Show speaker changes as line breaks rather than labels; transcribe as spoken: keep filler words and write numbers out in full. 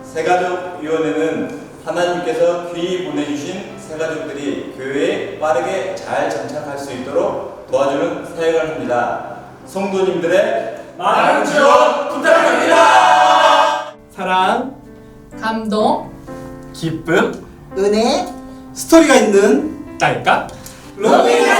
새가족위원회는 하나님께서 귀히 보내주신 새가족들이 교회에 빠르게 잘 정착할 수 있도록 도와주는 사역을 합니다. 성도님들의 많은 지원 부탁드립니다.
사랑,
감동,
기쁨,
은혜,
스토리가 있는 딸깍
로비나